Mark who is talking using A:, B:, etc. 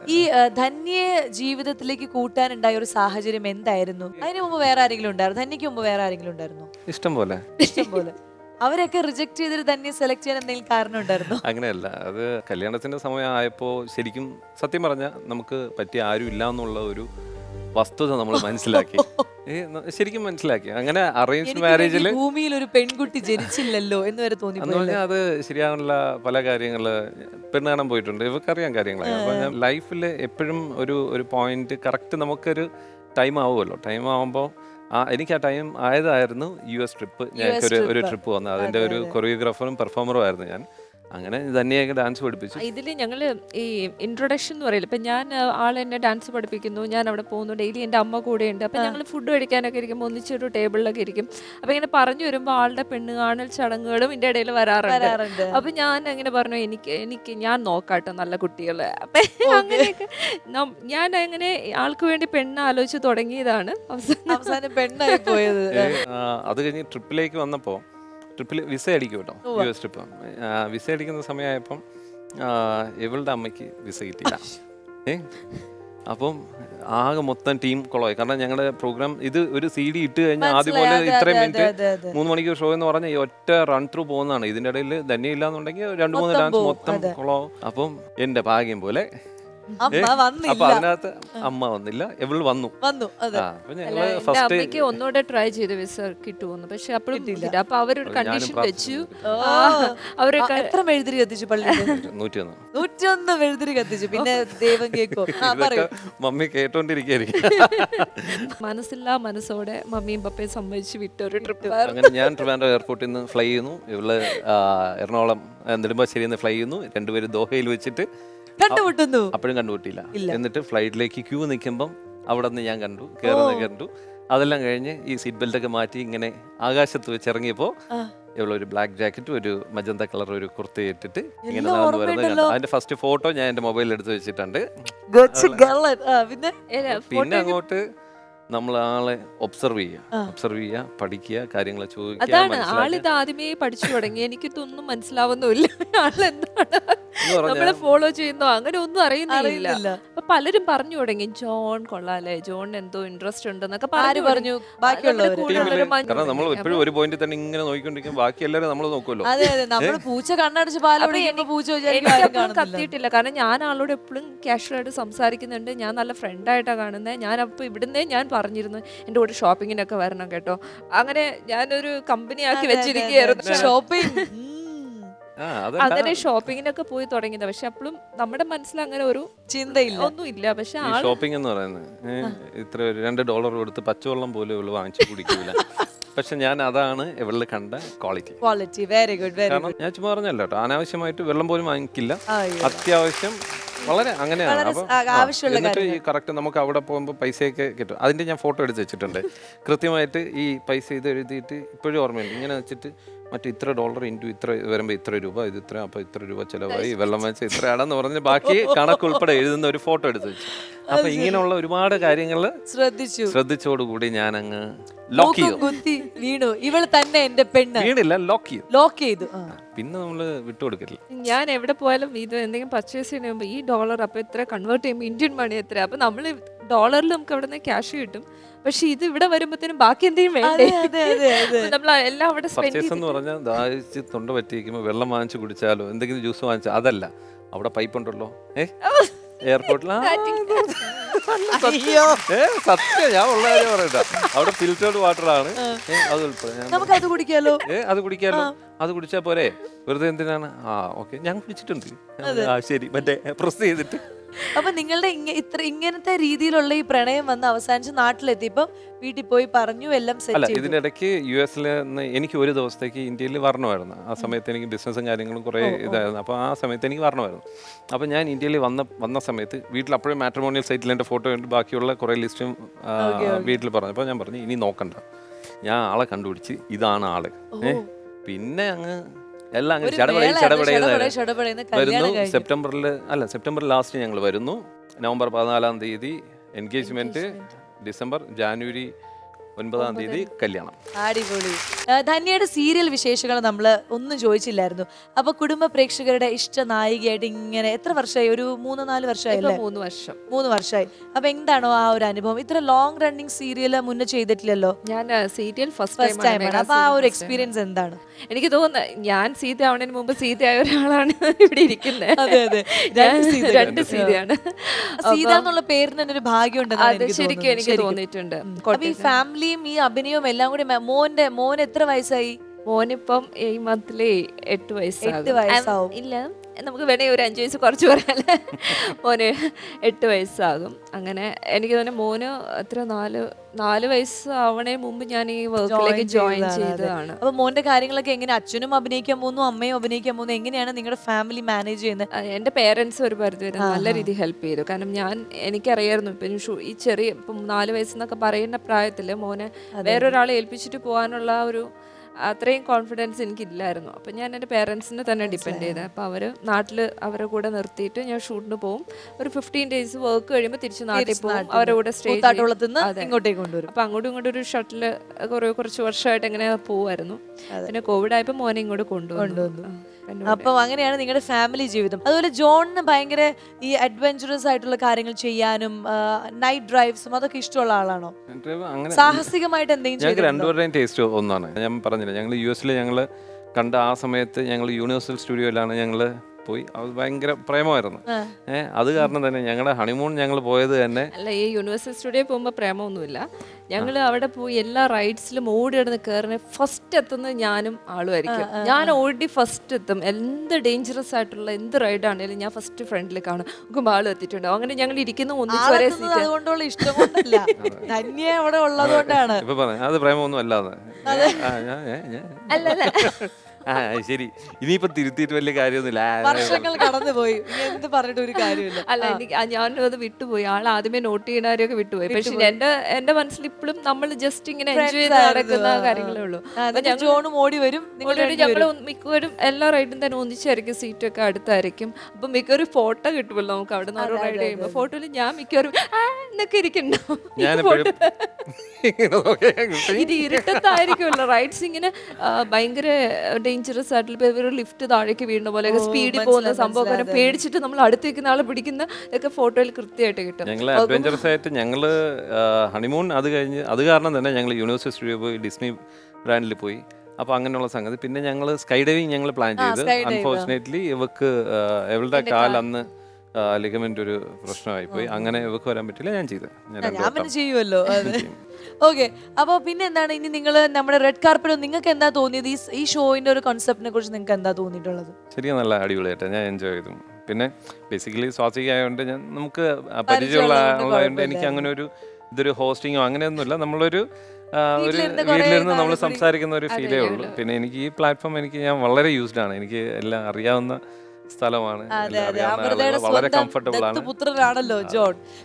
A: ഈ ധന്യയെ ജീവിതത്തിലേക്ക് കൂട്ടാനുണ്ടായ ഒരു സാഹചര്യം എന്തായിരുന്നു? അതിന് മുമ്പ് വേറെ ആരെങ്കിലും ഉണ്ടായിരുന്നു? ധന്യക്ക് മുമ്പ് വേറെ ആരെങ്കിലും ഉണ്ടായിരുന്നോ?
B: ഇഷ്ടം പോലെ.
A: ഇഷ്ടം പോലെ. അവരൊക്കെ റിജക്ട് ചെയ്തിട്ട് ധന്യെ സെലക്ട് ചെയ്യാൻ എന്തെങ്കിലും കാരണം ഉണ്ടായിരുന്നോ?
B: അങ്ങനെയല്ല, അത് കല്യാണത്തിന്റെ സമയം ആയപ്പോൾ ശരിക്കും സത്യം പറഞ്ഞാൽ നമുക്ക് പറ്റിയ ആരും ഇല്ല എന്നുള്ള ഒരു വസ്തുത നമ്മൾ മനസ്സിലാക്കി. ശരിക്കും മനസ്സിലാക്കി. അങ്ങനെ അറേഞ്ച് മാരേജിൽ
A: ഭൂമിയിൽ ഒരു പെൺകുട്ടി ജനിച്ചില്ലല്ലോ എന്ന് വരെ തോന്നി.
B: എന്ന് പറഞ്ഞാൽ അത് ശരിയാണുള്ള പല കാര്യങ്ങൾ പെണ്ണ് കാണാൻ പോയിട്ടുണ്ട്, ഇവർക്കറിയാം കാര്യങ്ങളൊക്കെ. അപ്പോൾ ഞാൻ ലൈഫിൽ എപ്പോഴും ഒരു പോയിന്റ് കറക്റ്റ് നമുക്കൊരു ടൈം ആവുമല്ലോ. ടൈം ആവുമ്പോൾ എനിക്ക് ആ ടൈം ആയതായിരുന്നു US ട്രിപ്പ്. ഞങ്ങൾക്ക് ഒരു ട്രിപ്പ് വന്നത്, അതിൻ്റെ ഒരു കൊറിയോഗ്രാഫറും പെർഫോമറും ആയിരുന്നു ഞാൻ. അങ്ങനെ തന്നെയൊക്കെ ഡാൻസ് പഠിപ്പിച്ചു.
C: ഇതിൽ ഞങ്ങൾ ഈ ഇൻട്രൊഡക്ഷൻ എന്ന് പറയില്ല, ഇപ്പം ഞാൻ ആളെന്നെ ഡാൻസ് പഠിപ്പിക്കുന്നു, ഞാൻ അവിടെ പോകുന്നു, ഡെയിലി എൻ്റെ അമ്മ കൂടെ ഉണ്ട്. അപ്പം ഞങ്ങൾ ഫുഡ് കഴിക്കാനൊക്കെ ഇരിക്കുമ്പോൾ ഒന്നിച്ചൊരു ടേബിളിലൊക്കെ ഇരിക്കും. അപ്പം ഇങ്ങനെ പറഞ്ഞു വരുമ്പോൾ ആളുടെ പെണ്ണ് കാണൽ ചടങ്ങുകളും ഇതിൻ്റെ ഇടയിൽ വരാറുണ്ട്. അപ്പം ഞാൻ അങ്ങനെ പറഞ്ഞു, എനിക്ക് ഞാൻ നോക്കാട്ടോ നല്ല കുട്ടികളെ. അപ്പം അങ്ങനെയൊക്കെ ഞാൻ അങ്ങനെ ആൾക്ക് വേണ്ടി പെണ്ണ് ആലോചിച്ച് തുടങ്ങിയതാണ്.
A: അവസാനം പെണ്ണായി പോയത്.
B: അത് കഴിഞ്ഞ് ട്രിപ്പിലേക്ക് വന്നപ്പോൾ ട്രിപ്പിൽ വിസ അടിക്കും കേട്ടോ, US ട്രിപ്പ്. വിസ അടിക്കുന്ന സമയമായപ്പം ഇവളുടെ അമ്മയ്ക്ക് വിസ കിട്ടിയില്ല. അപ്പം ആകെ മൊത്തം ടീം കുളമായി. കാരണം ഞങ്ങളുടെ പ്രോഗ്രാം ഇത് ഒരു CD ഇട്ട് കഴിഞ്ഞാൽ ആദ്യം പോലെ ഇത്രയും മിനിറ്റ് 3 മണിക്കൂർ ഷോ എന്ന് പറഞ്ഞാൽ ഈ ഒറ്റ റൺ ത്രൂ പോകുന്നതാണ്. ഇതിൻ്റെ ഇടയിൽ തന്നെ ഇല്ലാന്നുണ്ടെങ്കിൽ 2-3 ഡാൻസ് മൊത്തം കുളമാവും. അപ്പം എൻ്റെ ഭാഗ്യം പോലെ അപ്പൊ അതിനകത്ത് അമ്മ വന്നില്ല, ഇവള് വന്നു.
C: അമ്മയ്ക്ക് ഒന്നുകൂടെ ട്രൈ ചെയ്ത് വിസ കിട്ടുമെന്ന്, പക്ഷെ അപ്പോഴും കിട്ടില്ല. അപ്പൊ അവരൊരു കണ്ടീഷൻ വെച്ചു. അവരൊക്കെ
A: എത്ര മെഴുതിരി കത്തിച്ചു? പള്ളിയിൽ 101 മെഴുതിരി കത്തിച്ചു. പിന്നെ ദൈവം കേൾക്കോ?
B: മമ്മി കേട്ടോണ്ടിരിക്കും.
C: മനസ്സില്ലാ മനസ്സോടെ മമ്മിയും പപ്പയും സമ്മതിച്ച് വിട്ടൊരു ട്രിപ്പ്.
B: അങ്ങനെ ഞാൻ ട്രിവാൻഡ്രം എയർപോർട്ടിൽ നിന്ന് ഫ്ലൈ ചെയ്യുന്നു, ഇവള് എറണാകുളം നെടുമ്പാശ്ശേരിയിൽ നിന്ന് ഫ്ലൈ ചെയ്യുന്നു. രണ്ടുപേരും ദോഹയിൽ വെച്ചിട്ട്
A: കണ്ടുമുട്ടുന്നു.
B: അപ്പോഴും കണ്ടുമുട്ടിയില്ല. എന്നിട്ട് ഫ്ലൈറ്റിലേക്ക് ക്യൂ നിൽക്കുമ്പം അവിടെ നിന്ന് ഞാൻ കണ്ടു. അതെല്ലാം കഴിഞ്ഞ് ഈ സീറ്റ് ബെൽറ്റ് ഒക്കെ മാറ്റി ഇങ്ങനെ ആകാശത്ത് വെച്ച് ഇറങ്ങിയപ്പോൾ ഇവളൊരു ബ്ലാക്ക് ജാക്കറ്റും ഒരു മജന്ത കളർ ഒരു കുർത്ത ഇട്ടിട്ട് ഇങ്ങനെ നടന്നു വരുന്നത് കണ്ടു. അതിന്റെ ഫസ്റ്റ് ഫോട്ടോ ഞാൻ എന്റെ മൊബൈലിൽ എടുത്ത് വെച്ചിട്ടുണ്ട്. പിന്നെ അങ്ങോട്ട് നമ്മൾ ആളെ ഒബ്സർവ് ചെയ്യുക, പഠിക്കുക, കാര്യങ്ങൾ ചോദിക്കുക.
C: അതാണ് ആളിത് ആദ്യമേ പഠിച്ചു തുടങ്ങി. എനിക്കിതൊന്നും മനസ്സിലാവുന്നില്ല. ആളെന്താണ് നമ്മളെ ഫോളോ ചെയ്യുന്നോ അങ്ങനെ ഒന്നും അറിയുന്നില്ല. അപ്പൊ പലരും പറഞ്ഞു തുടങ്ങി, ജോൺ കൊള്ളാലേ, ജോൺ എന്തോ ഇൻട്രസ്റ്റ് ഉണ്ടെന്നൊക്കെ പറഞ്ഞു.
B: കാരണം നമ്മൾ എപ്പോഴും ഒരു പോയിന്റ് തന്നെ ഇങ്ങനെ നോക്കിക്കൊണ്ടിരിക്കും, ബാക്കി എല്ലാവരും നമ്മൾ നോക്കുമല്ലോ.
A: പൂച്ച കണ്ണടച്ച്
C: കത്തിയിട്ടില്ല. കാരണം ഞാൻ ആളോട് എപ്പോഴും കാഷ്വലായിട്ട് സംസാരിക്കുന്നുണ്ട്. ഞാൻ നല്ല ഫ്രണ്ടായിട്ടാണ് കാണുന്നത്. ഞാൻ അപ്പൊ ഇവിടുന്നേ ഞാൻ പറഞ്ഞിരുന്നു എൻ്റെ കൂടെ ഷോപ്പിങ്ങിനൊക്കെ വരണം കേട്ടോ. അങ്ങനെ ഞാനൊരു കമ്പനി ആക്കി വെച്ചിരിക്കുകയായിരുന്നു. ഷോപ്പിംഗ് അങ്ങനെ ഷോപ്പിങ്ങിനൊക്കെ പോയി തുടങ്ങിയത്. പക്ഷെ അപ്പോഴും നമ്മുടെ മനസ്സിൽ അങ്ങനെ ഒരു ചിന്തയില്ല, ഒന്നുമില്ല. പക്ഷെ
B: ഷോപ്പിംഗ് എന്ന് പറയുന്നത് ഇത്ര $2 കൊടുത്ത് പച്ചവെള്ളം പോലും ഇവള് വാങ്ങിച്ചു കുടിക്കൂല. പക്ഷെ ഞാൻ അതാണ് ഇവളിൽ കണ്ട ക്വാളിറ്റി.
A: Very good.
B: കാരണം ഞാൻ ചുമ്മാ പറഞ്ഞല്ലോ കേട്ടോ, അനാവശ്യമായിട്ട് വെള്ളം പോലും വാങ്ങിക്കില്ല. അത്യാവശ്യം വളരെ അങ്ങനെയാണ്. അപ്പൊ എന്നിട്ട് ഈ കറക്റ്റ് നമുക്ക് അവിടെ പോകുമ്പോൾ പൈസയൊക്കെ കിട്ടും. അതിന്റെ ഞാൻ ഫോട്ടോ എടുത്ത് വെച്ചിട്ടുണ്ട് കൃത്യമായിട്ട്. ഈ പൈസ ഇത് എഴുതിയിട്ട് ഇപ്പോഴും ഓർമ്മയുണ്ട്. ഇങ്ങനെ വെച്ചിട്ട് മറ്റേ ഇത്ര $, ഇൻറ്റു ഇത്ര വരുമ്പോൾ ഇത്ര രൂപ, ഇത് ഇത്ര, അപ്പൊ ഇത്ര രൂപ ചിലവായി, വെള്ളം വെച്ച് ഇത്രയാണെന്ന് പറഞ്ഞ് ബാക്കി കണക്കുൾപ്പെടെ എഴുതുന്ന ഒരു ഫോട്ടോ എടുത്ത് വെച്ചു. അപ്പൊ ഇങ്ങനെയുള്ള ഒരുപാട് കാര്യങ്ങൾ ശ്രദ്ധിച്ചോടുകൂടി ഞാൻ അങ്ങ് ലോക്ക് ചെയ്തു.
A: വീണു. ഇവള് തന്നെ എന്റെ പെണ്ണ്.
B: വീണില്ല,
A: ലോക്ക് ചെയ്തു.
B: പിന്നെ നമ്മള് വിട്ടുകൊടുക്കില്ല.
C: ഞാൻ എവിടെ പോയാലും ഇത് എന്തെങ്കിലും പർച്ചേസ് ചെയ്യുമ്പോൾ ഈ $, അപ്പൊ എത്ര കൺവേർട്ട് ചെയ്യുമ്പോൾ ഇന്ത്യൻ മണി എത്ര, അപ്പൊ നമ്മള് ഡോളറിൽ നമുക്ക് അവിടെ നിന്ന് ക്യാഷ് കിട്ടും. പക്ഷെ ഇത് ഇവിടെ വരുമ്പോഴത്തേനും ബാക്കി എന്തെങ്കിലും വേണ്ടേ? നമ്മൾ എല്ലാം അവിടെ
B: എന്ന് പറഞ്ഞാൽ ദാഹിച്ച് തൊണ്ട പറ്റിയിരിക്കുമ്പോൾ വെള്ളം വാങ്ങിച്ചു കുടിച്ചാലോ എന്തെങ്കിലും ജ്യൂസ് വാങ്ങിച്ചാൽ അതല്ല, അവിടെ പൈപ്പ് ഉണ്ടല്ലോ എയർപോർട്ടിൽ. സത്യം, ഞാൻ ഉള്ള കാര്യം പറയണ്ട. അവിടെ ഫിൽറ്റേർഡ് വാട്ടർ ആണ്.
A: അത് കുടിക്കാലോ.
B: അത് കുടിച്ചാൽ പോരെ, വെറുതെ എന്തിനാണ്? ഓക്കെ, ഞാൻ കുടിച്ചിട്ടുണ്ട്. ശരി, മറ്റേ പ്രസ് ചെയ്തിട്ട്.
A: അപ്പൊ നിങ്ങളുടെ ഇങ്ങനത്തെ രീതിയിലുള്ള ഈ പ്രണയം വന്ന് അവസാനിച്ച് നാട്ടിലെത്തിയപ്പോ വീട്ടിൽ പോയി പറഞ്ഞു എല്ലാം സെറ്റ് ചെയ്തു.
B: ഇതിന്റെ ഇടയ്ക്ക് US എനിക്ക് ഒരു ദിവസത്തേക്ക് ഇന്ത്യയിൽ വരണമായിരുന്നു. ആ സമയത്ത് എനിക്ക് ബിസിനസ്സും കാര്യങ്ങളും കുറെ ഇതായിരുന്നു. അപ്പോൾ ആ സമയത്ത് എനിക്ക് വരണമായിരുന്നു. അപ്പോൾ ഞാൻ ഇന്ത്യയിൽ വന്ന സമയത്ത് വീട്ടിൽ അപ്പോഴും മാട്രിമോണിയൽ സൈറ്റിൽ എൻ്റെ ഫോട്ടോ ഉണ്ട്, ബാക്കിയുള്ള കുറേ ലിസ്റ്റും വീട്ടിൽ പറഞ്ഞു. അപ്പോൾ ഞാൻ പറഞ്ഞു ഇനി നോക്കണ്ട, ഞാൻ ആളെ കണ്ടുപിടിച്ച് ഇതാണ് ആള്. പിന്നെ അങ്ങ് എല്ലാം വരുന്നു. സെപ്റ്റംബർ ലാസ്റ്റ് ഞങ്ങൾ വരുന്നു. November 14 engagement. ഡിസംബർ, ജാനുവരി 9-ാം തീയതി കല്യാണം.
A: അടിപൊളി. ധന്യയുടെ സീരിയൽ വിശേഷങ്ങൾ നമ്മൾ ഒന്നും ചോദിച്ചില്ലായിരുന്നു. അപ്പൊ കുടുംബ പ്രേക്ഷകരുടെ ഇഷ്ട നായികയായിട്ട് ഇങ്ങനെ എത്ര വർഷമായി? ഒരു 3-4 വർഷമായില്ലേ?
C: 3 വർഷം.
A: 3 വർഷമായി. അപ്പൊ എന്താണോ ആ ഒരു അനുഭവം? ഇത്ര ലോങ് റണ്ണിങ് സീരിയൽ മുന്നേ ചെയ്തിട്ടില്ലല്ലോ.
C: ഞാൻ സീരിയൽ
A: ഫസ്റ്റ് ടൈമാണ്. അപ്പൊ ആ ഒരു എക്സ്പീരിയൻസ് എന്താണ്?
C: എനിക്ക് തോന്നുന്നത് ഞാൻ സീത ആവുന്നതിന് മുമ്പ് സീതയായ ഒരാളാണ് ഇവിടെ ഇരിക്കുന്നത്.
A: അതെ അതെ,
C: രണ്ട് സീതയാണ്.
A: സീത എന്നുള്ള പേരിന് തന്നെ ഒരു ഭാഗ്യം
C: അത് ശരിക്കും എനിക്ക് തോന്നിയിട്ടുണ്ട്.
A: ഈ ഫാമിലിയും ഈ അഭിനയവും എല്ലാം കൂടി മോൻ എത്ര വയസ്സായി?
C: മോനിപ്പം ഈ മന്ത്ലി 8
A: 8 വയസ്സാവും.
C: ഇല്ല, നമുക്ക് വേണമെങ്കിൽ ഒരു 5 വയസ്സ് കുറച്ച് പറയാല്ലേ. മോന് 8 വയസ്സാകും. അങ്ങനെ എനിക്ക് തോന്നുന്നു മോന് എത്ര 4 വയസ്സ് ആവണേ മുമ്പ് ഞാൻ ഈ വർക്കിലേക്ക് ജോയിൻ ചെയ്തതാണ്.
A: അപ്പൊ മോന്റെ കാര്യങ്ങളൊക്കെ എങ്ങനെ? അച്ഛനും അഭിനയിക്കാൻ പോകുന്നു, അമ്മയും അഭിനയിക്കാൻ പോകുന്നു, എങ്ങനെയാണ് നിങ്ങളുടെ ഫാമിലി മാനേജ് ചെയ്യുന്നത്?
C: എൻ്റെ പേരൻസ് ഒരു പരിധി വരെ നല്ല രീതിയിൽ ഹെൽപ്പ് ചെയ്തു. കാരണം എനിക്കറിയായിരുന്നു ഇപ്പം ഈ ഇപ്പം 4 വയസ്സെന്നൊക്കെ പറയുന്ന പ്രായത്തിൽ മോനെ വേറൊരാളെ ഏൽപ്പിച്ചിട്ട് പോകാനുള്ള ഒരു അത്രയും കോൺഫിഡൻസ് എനിക്കില്ലായിരുന്നു. അപ്പം ഞാൻ എൻ്റെ പേരൻസിനെ തന്നെ ഡിപ്പെൻഡ് ചെയ്തത്. അപ്പോൾ അവർ നാട്ടിൽ അവരുടെ കൂടെ നിർത്തിയിട്ട് ഞാൻ ഷൂട്ടിന് പോകും. ഒരു 15 ഡേയ്സ് വർക്ക് കഴിയുമ്പോൾ തിരിച്ച് നാട്ടിൽ പോകും. അവരുടെ കൂടെ സ്റ്റേ
A: ഇങ്ങോട്ടേക്ക് കൊണ്ടുവരും.
C: അപ്പം അങ്ങോട്ടും ഇങ്ങോട്ടും ഒരു ഷട്ടിൽ കുറച്ച് വർഷമായിട്ട് എങ്ങനെ പോവായിരുന്നു. പിന്നെ കോവിഡ് ആയപ്പോൾ മോനെ ഇങ്ങോട്ട് കൊണ്ടുവന്നു.
A: അപ്പൊ അങ്ങനെയാണ് നിങ്ങളുടെ ഫാമിലി ജീവിതം. അതുപോലെ ജോണിന് ഭയങ്കര ഈ അഡ്വഞ്ചറസ് ആയിട്ടുള്ള കാര്യങ്ങൾ ചെയ്യാനും നൈറ്റ് ഡ്രൈവ്സും അതൊക്കെ ഇഷ്ടമുള്ള ആളാണോ? സാഹസികമായിട്ട് എന്തെങ്കിലും?
B: ഞങ്ങൾക്ക് രണ്ടുപേരുടെയും ടേസ്റ്റ് ഒന്നാണ്. ഞാൻ പറഞ്ഞില്ല, ഞങ്ങൾ US ഞങ്ങൾ കണ്ട ആ സമയത്ത് ഞങ്ങൾ യൂണിവേഴ്സൽ സ്റ്റുഡിയോയിലാണ് ഞങ്ങൾ പോയി. അത് ഭയങ്കര പ്രേമമായിരുന്നു. അത് കാരണം തന്നെ ഞങ്ങളുടെ ഹണിമൂൺ ഞങ്ങൾ പോയത് തന്നെ
C: അല്ല, ഈ യൂണിവേഴ്സൽ സ്റ്റുഡിയോ പോകുമ്പോൾ പ്രേമമൊന്നുമില്ല. ഞങ്ങൾ അവിടെ പോയി എല്ലാ റൈഡ്സിലും ഓടി കിടന്ന് കയറുന്ന ഫസ്റ്റ് എത്തുന്നത് ഞാനും ആളുമായിരിക്കും. ഞാൻ ഓടി ഫസ്റ്റ് എത്തും. എന്ത് ഡേഞ്ചറസ് ആയിട്ടുള്ള എന്ത് റൈഡാണെങ്കിലും ഞാൻ ഫസ്റ്റ് ഫ്രണ്ടിൽ കാണും. നോക്കുമ്പോൾ ആളും എത്തിയിട്ടുണ്ടാവും. അങ്ങനെ ഞങ്ങൾ ഇരിക്കുന്ന ഒന്നിച്ച് ഒരേ സീറ്റ്.
A: അതുകൊണ്ടുള്ള ഇഷ്ടം കൊണ്ടല്ല, ധന്യ അവിടെ ഉള്ളതുകൊണ്ടാണ്.
B: ഇപ്പൊ പറഞ്ഞു അത് പ്രേമൊന്നും അല്ലാതെ.
C: അല്ലല്ല,
B: ശരി, ഇനിയിപ്പോ തിരുത്തിയിട്ട് വലിയ കാര്യമൊന്നുമില്ല.
A: വർഷങ്ങൾ കടന്നുപോയി, എന്ത് പറഞ്ഞിട്ട് ഒരു കാര്യമില്ല.
C: അല്ല, ഞാനത് വിട്ടുപോയി. ആൾ ആദ്യമേ നോട്ട് ചെയ്യണവരെയൊക്കെ വിട്ടുപോയി. പക്ഷെ എന്റെ മനസ്സിൽ ഇപ്പോഴും നമ്മൾ ജസ്റ്റ് ഇങ്ങനെ എൻജോയ് ചെയ്ത് നടക്കുന്ന കാര്യങ്ങളേ ഉള്ളൂ.
A: ജോണും ഓടി വരും.
C: ഞങ്ങൾ മിക്കവരും എല്ലാ റൈഡും തന്നെ ഒന്നിച്ചായിരിക്കും, സീറ്റൊക്കെ അടുത്തായിരിക്കും. അപ്പൊ മിക്കവരും ഫോട്ടോ കിട്ടുമല്ലോ നമുക്ക് അവിടെ നിന്ന് ഓരോ റൈഡ് ചെയ്യുമ്പോൾ. ഫോട്ടോയിൽ ഞാൻ മിക്കവരും എന്നൊക്കെ ഇരിക്കണ്ടാവും. ഇത് ഇരുട്ടത്തായിരിക്കുമല്ലോ റൈഡ്സ്, ഇങ്ങനെ ഭയങ്കര ഡേഞ്ചറസ് ആയിട്ടുള്ള ലിഫ്റ്റ് താഴേക്ക് വീഴുന്ന പോലെ സ്പീഡിൽ പോകുന്ന സംഭവം പേടിച്ചിട്ട് നമ്മൾ അടുത്ത് നിൽക്കുന്ന ആളെ പിടിക്കുന്ന ഒക്കെ ഫോട്ടോയിൽ കൃത്യമായിട്ട് കിട്ടും.
B: ഞങ്ങൾ അഡ്വഞ്ചറസ് ആയിട്ട് ഞങ്ങൾ ഹണിമൂൺ അത് കഴിഞ്ഞ് അത് കാരണം തന്നെ ഞങ്ങൾ യൂണിവേഴ്സൽ സ്റ്റുഡിയോ പോയി, ഡിസ്നി ബ്രാൻഡിൽ പോയി. അപ്പോൾ അങ്ങനെയുള്ള സംഗതി. പിന്നെ ഞങ്ങൾ സ്കൈ ഡൈവിങ് ഞങ്ങൾ പ്ലാൻ ചെയ്ത്. അൺഫോർച്ചുനേറ്റ്ലി ഇവളുടെ കാൽ അന്ന് ലിഗമെന്റ് ഒരു പ്രശ്നമായി പോയി. അങ്ങനെ ഇവക്ക് വരാൻ പറ്റില്ല. ഞാൻ ചെയ്ത്
A: ഞാൻ ചെയ്യുമല്ലോ. ഓക്കെ, അപ്പൊ പിന്നെ എന്താണ് ഇനി നിങ്ങൾ നമ്മുടെ റെഡ് കാർപ്പറ്റ് നിങ്ങൾക്ക് എന്താ തോന്നിയത്? ഈ ഷോയിന്റെ ഒരു കോൺസെപ്റ്റിനെ കുറിച്ച് നിങ്ങൾക്ക് എന്താ തോന്നിയിട്ടുള്ളത്?
B: ശരിക്കും നല്ല അടിപൊളിയായിട്ട് ഞാൻ എൻജോയ് ചെയ്തു. പിന്നെ ബേസിക്കലി സ്വാസിക ആയതുകൊണ്ട് നമുക്ക് പരിചയമുള്ള ആളായതുകൊണ്ട് എനിക്ക് അങ്ങനെ ഇതൊരു ഹോസ്റ്റിങ്ങോ അങ്ങനെയൊന്നുമില്ല. നമ്മളൊരു വീട്ടിലിരുന്ന് നമ്മൾ സംസാരിക്കുന്ന ഒരു ഫീലേ ഉള്ളൂ. പിന്നെ എനിക്ക് ഈ പ്ലാറ്റ്ഫോം ഞാൻ വളരെ യൂസ്ഡ് ആണ്. എനിക്ക് എല്ലാം അറിയാവുന്ന സ്ഥലമാണ്. വളരെ കംഫർട്ടബിൾ ആണ്.
A: പുത്രനാണല്ലോ ജോൺ.